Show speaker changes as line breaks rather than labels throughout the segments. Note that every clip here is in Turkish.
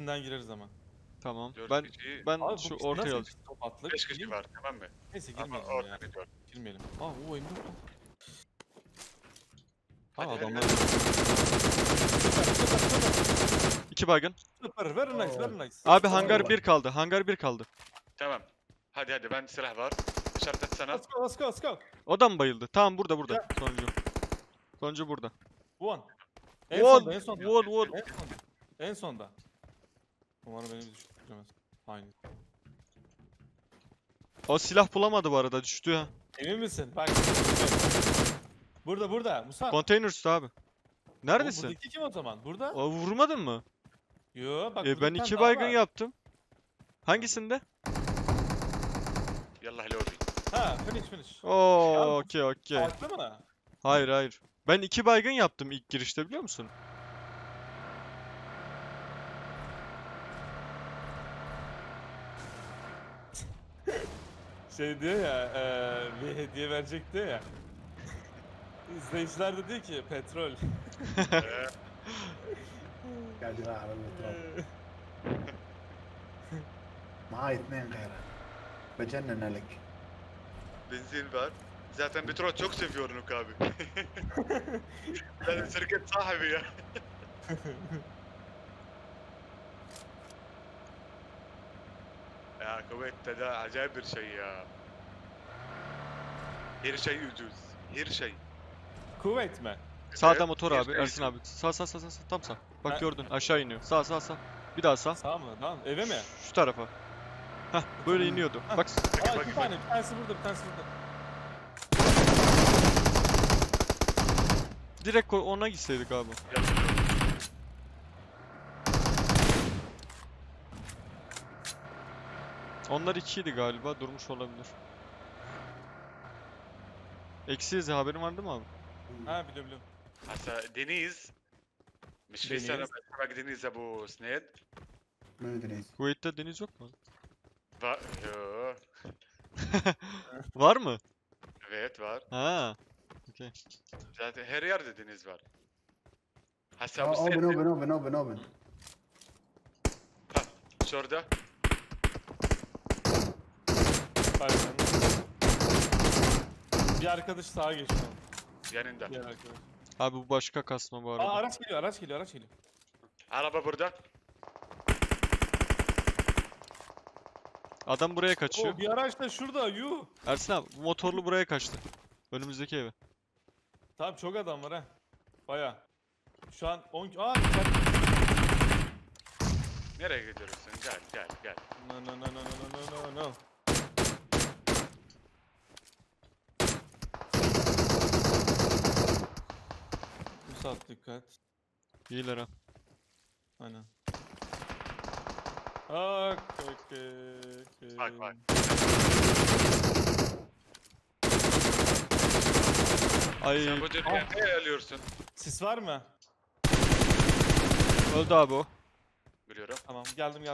içinden gireriz ama.
Tamam.
4
Ben
kişi,
ben
Abi
şu
bu
ortaya
nasıl
alacağım.
top attık?
5 kişi var tamam mı?
Neyse
Ama
girmeyelim ya.
orada gidiyor.
Girmeyelim. Aa o M4 lan.
Hadi,
Aa
hadi,
adamlar.
hadi.
Süper.
2 baygın.
Süper. Very nice. Very nice.
Abi
Tamam,
hangar
bak.
1 kaldı. Hangar 1 kaldı.
Tamam. Hadi ben silah var. İşaret etsene.
Let's go. Let's go. Let's go.
O da mı bayıldı? Tamam burada
Ya.
Sonuncu. Sonuncu burada.
One. En
One,
sonda. En sonda.
one.
En sonda. En sonda. Umarım beni bir düşürmez. Aynı.
O silah bulamadı bu arada, düştü ha.
Emin misin? Bak. Burada. Musa.
Konteyner üstü abi. Neredesin?
Buradaki kim o zaman? Burada?
O vurmadın mı?
Yo bak. burada
Ben
bir tane
2
daha
baygın
var.
yaptım. Hangisinde?
Yallah lobi.
Ha finish.
Oo, okey.
Farklı mı?
Hayır. Ben 2 baygın yaptım ilk girişte, biliyor musun?
Şey diyor ya, bir hediye verecek diyor ya. İzleyiciler de diyor ki petrol.
قاعد يراعي على التراب معاي 2 غيره بجنن لك.
Benzin var. Zaten petrol çok seviyorum Nuk abi. Benim şirket sahibi ya. Ya Kuveyt'te de acayip bir şey ya. Her şey ucuz. Her şey.
Kuvvet mi?
Sağda
Evet,
motor
her
abi,
şey
Ersin
ucuz.
abi. Sağ, tam sağ. Bak
Ha.
gördün, aşağı iniyor. Sağ. Bir daha sağ.
Sağ mı? Tamam. Eve mi?
Şu tarafa. Hah, böyle iniyordu.
Hah.
Bak,
Aa
bak,
iki tane. Bir tanesi burada, bir tanesi burada.
direkt ona gitseydik abi. Onlar 2'ydi galiba, durmuş olabilir. Eksiyiz ya, haberin var değil mi abi?
Ha biliyorum.
هسا دينيز مش في
دينيز.
سنة بسمك دينيز ابو سنيد
ما ادري
Kuveyt'te deniz yok mu?
يوه
Var mı?
evet var.
Ha. Okey.
Zaten her yerde deniz var. Hasa bu
اوبن
sene
اوبن
şurada.
Pardon. Bir arkadaş sağa geçti.
Yanında.
Diğer arkadaş.
Abi bu başka kasma bu
Aa
arada.
araç geliyor.
Araba burada.
Adam buraya kaçıyor.
Oo bir araç da şurada. Yuh.
Ersin abi, bu motorlu buraya kaçtı. Önümüzdeki eve.
Tamam çok adam var ha. Baya. Şu an 10... Aa
Nereye gidiyorsun? Gel.
No. Musab dikkat.
İyiler ha.
Aynen. Okey.
Bak.
Ay,
Sen bu dünyayı nereye alıyorsun?
Sis var mı?
öldü abi o.
Biliyorum.
Tamam geldim.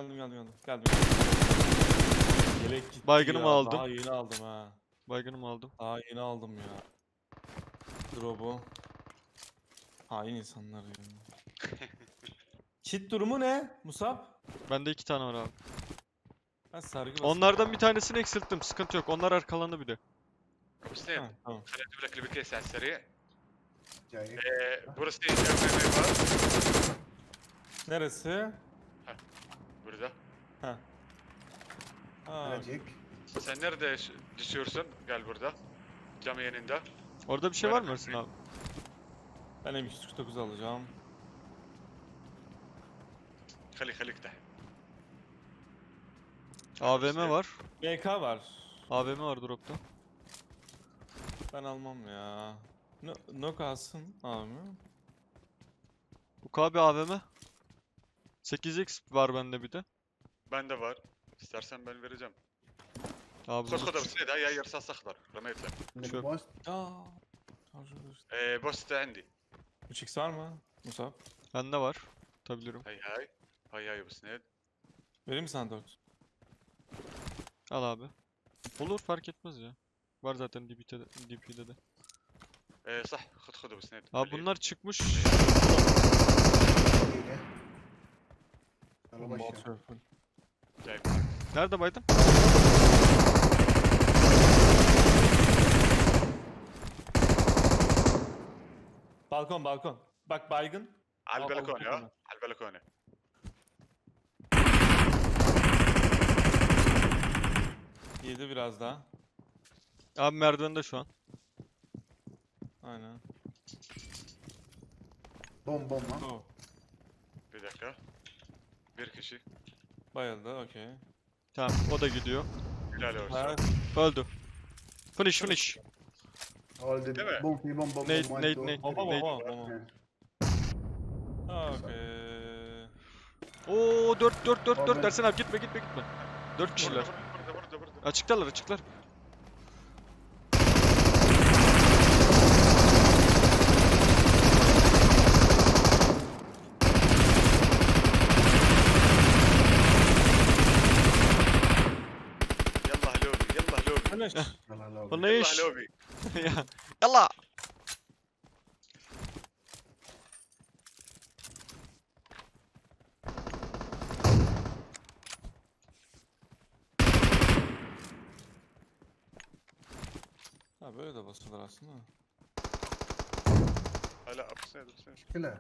Yelek gitti
Baygınımı
ya,
aldım.
Daha yeni aldım ha.
Baygınımı aldım.
Daha yeni aldım ya. Drop'u. Hain insanlar ya. Kit durumu ne Musab?
Bende 2 tane var abi.
Ben sargı basayım.
Onlardan bir tanesini eksilttim. Sıkıntı yok. Onlar arkalandı bir de.
ابو سنيد
Ha, tamam.
خليني اجيب لك البكيس على السريع.
جايك
burası var.
Neresi?
Burada.
Ha.
اجيك
Sen nerede düşüyorsun? Gel burada. Cam yanında.
Orada bir şey var mı Ersin abi?
Ben M249 alacağım.
خليك تحت.
AVM var.
MK var.
AVM var dropta.
Ben almam ya. No kalsın abi.
Bu KB AVM. 8x var bende bir de.
Bende var. İstersen ben vereceğim.
Abi
خذ
bu
ابو سنيد هاي رصاص اخضر رميت لك.
عندك
شوف.
بوست
Aa.
بوست عندي.
3x var mı Musab?
bende var. Tutabilirim.
هاي ابو سنيد.
Vereyim mi sana 4?
Al abi. Olur, fark etmez ya. Var zaten DP'de de.
صح خذ ابو سنيد.
Abi bunlar çıkmış.
دقيقة يلا
Bomba
بشر
atıyor full.
جاي
Nerede baydın?
Balkon balkon. Bak baygın.
على
Al-
البلكونه
al-
ها على البلكونه.
Yedi biraz daha.
Abi merdivende şu an.
Aynen.
بوم بوم ها
Oh.
Bir dakika. Bir kişi.
Bayıldı okey.
Tamam o da gidiyor.
Helal olsun.
Ha,
Öldü. Finish.
اول دي
تمام.
بوم في بوم بوم
نيد-
بوم
نيد-
1
نيد.
2
bomba
3
bomba bomba. Okey.
Oo 4
Abi.
Ersen abi gitme. 4 kişiler.
Burada.
Açıklar.
يلا هلوبي يلا هلوبي
Finish.
يلا هلا
يلا
Finish.
هلوبي.
Ya, Yalla.
Ha böyle de basılır aslında.
لا بسند.
مشكلة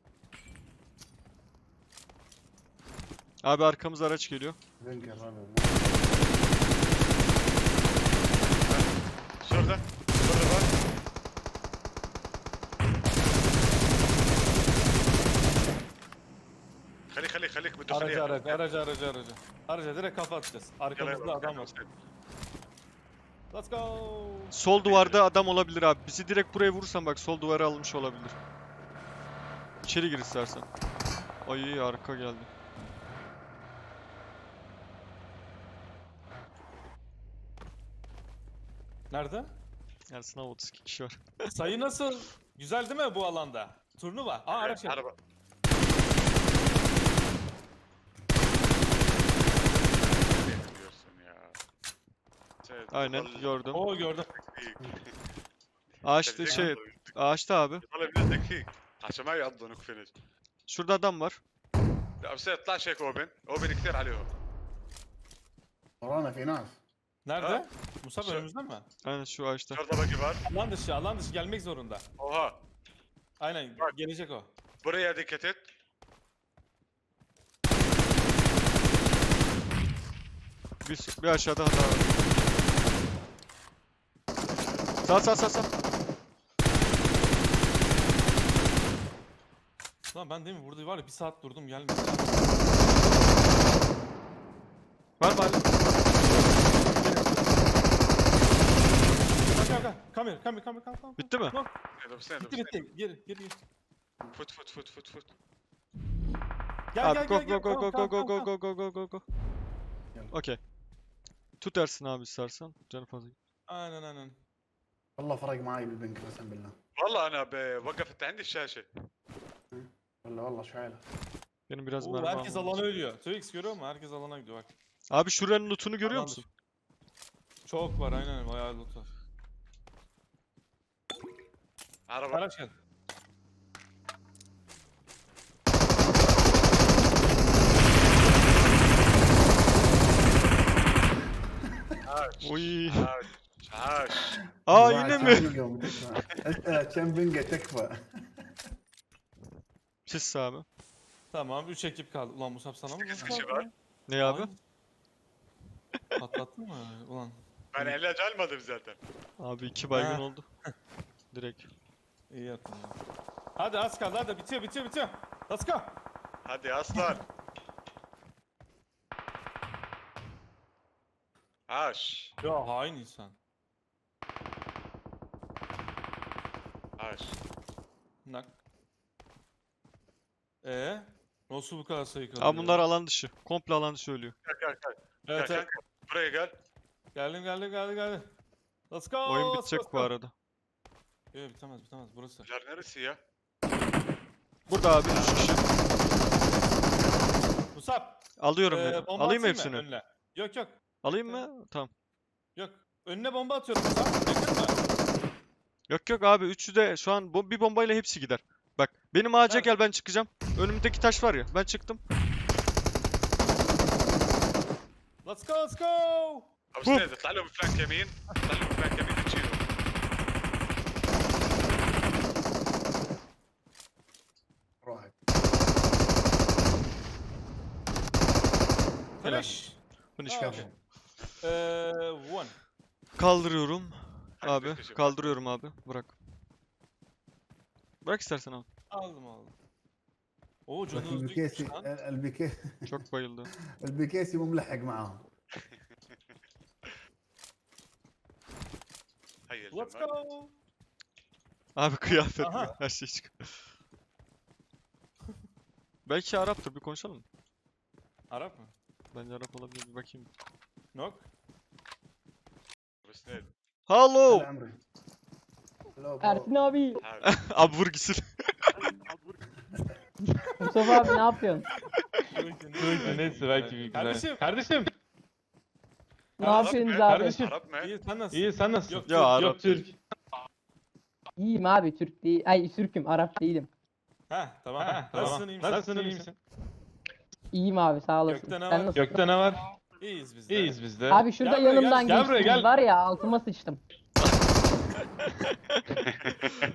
Abi arkamıza araç geliyor.
بنكر هذا
شرطة بار. خليك بده
Aracı. Araca direkt kafa atacağız. Arkamızda adam var. Let's go.
Sol duvarda adam olabilir abi. Bizi direkt buraya vurursan bak sol duvara almış olabilir. İçeri gir istersen. Ay arka geldi.
Nerede?
Ersin abi 32 kişi var.
Sayı nasıl? Güzel değil mi bu alanda? Turnuva. Aa araç geldi.
عربة. diyorsun ya.
Aynen gördüm.
Oo gördüm.
Ağaçta ağaçta abi.
والله بدك هيك عشان ما يقضنك فينش.
Şurada adam var.
لا بس اطلعش هيك اوبن كثير عليهم.
ورانا في ناس
Nerede?
Ha.
Musab
Şu-
önümüzde mi?
Aynen şu ağaçta.
شرطة باقي var.
Alan dışı gelmek zorunda.
Oha.
Aynen
Bak.
gelecek o.
Buraya dikkat et.
Bir aşağıda hata var. Sağ.
Lan ben değil mi burada var ya bir saat durdum gelmedi.
Var mı hala?
Gel. Come here.
Bitti mi?
Yok,
هذا بسند.
bitti. Gir.
فوت.
Gel.
Abi go.
Tamam.
Gel.
Okey. Tut Ersin abi istersen. Canı fazla.
Aynen.
والله فرق معي بالبنك قسم بالله
والله انا وقفت عندي الشاشة.
والله شو حالك
Benim biraz
Oo,
mermi
herkes
almam
alana
lazım.
ölüyor. Twix görüyor musun? Herkes alana gidiyor bak.
Abi şuranın lootunu görüyor
Alan
musun?
Çok var aynen bayağı loot var.
عربة.
Araç gel.
عاش.
Uy.
عاش.
Aa yine mi?
كم بنقة تكفى
Pis abi.
Tamam 3 ekip kaldı. Ulan Musab sana mı?
Sekiz
nasıl
kişi
kaldı
var.
lan?
Ne abi?
Ay. Patlattın mı? Ulan.
Ben ilaç almadım zaten.
Abi 2 baygın
Ha.
oldu. Direkt.
İyi yaptın ya. Hadi az kaldı hadi bitiyor. Let's go.
Hadi aslan. عاش.
Ya hain insan.
عاش.
Nak. Nasıl bu kadar sayı kalıyor?
Abi bunlar alan dışı. Komple alan dışı ölüyor.
Gel.
Evet.
Gel. Buraya gel.
Geldim. Let's go.
Oyun
let's
bitecek
go,
bu
let's go.
arada.
Yok bitemez burası.
Jar neresi ya?
Burada abi 3 kişi.
Musab.
Alıyorum dedim.
Bomba
Alayım mı
atayım mı
hepsini?
önüne? Yok.
Alayım mı? Tamam.
Yok. Önüne bomba atıyorum Musab. Bekletme.
Yok abi üçü de şu an bir bombayla hepsi gider. Bak benim ağaca
Nerede?
gel ben çıkacağım. Önümdeki taş var ya ben çıktım.
Let's go, let's go.
ابو سنيد اطلع لهم فلانك يمين، اطلع لهم فلانك يمين بتشيلهم.
روح.
Finish.
Finish
Ah,
finish.
okay. One.
Kaldırıyorum.
Hadi
Abi
bekleşelim.
kaldırıyorum abi. Bırak. Bırak istersen abi.
Aldım. Oo
بس
canı hızlı
البكيسي
gitmiş lan.
Çok bayıldı.
البكيسي مو ملحق معاهم.
هيا
Let's
الجمال.
go.
Abi kıyafet
Aha.
her şey çıkıyor. Belki Arap'tır bir konuşalım mı?
Arap mı?
Bence Arap olabilir bir bakayım.
Nok.
ابو سنيد
Hello.
هلا عمري. هلا برو.
Ersin abi.
تعال.
Abi vur gitsin.
Mustafa abi ne yapıyorsun?
Neyse belki bir güzel. Kardeşim.
Ne yapıyorsunuz abi?
Kardeşim.
عرب معي.
İyi sen nasılsın? İyi sen nasılsın? Yok,
Ya
Türk,
Arap
yok Türk.
İyiyim abi Türk değil. Ay Türk'üm Arap değilim.
Ha tamam. Nasılsın iyi misin? Nasılsın iyi misin?
İyiyim abi sağ olasın.
Gökte ne
Sen
var?
nasılsın?
Gökte ne var? İyiyiz biz de. İyiyiz biz de.
Abi şurada
Gel buraya,
yanımdan
gel buraya,
geçtiniz
gel.
var ya altıma sıçtım.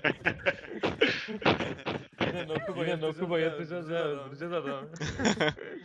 Yine Nokuba yatacağız ya öldüreceğiz adamı.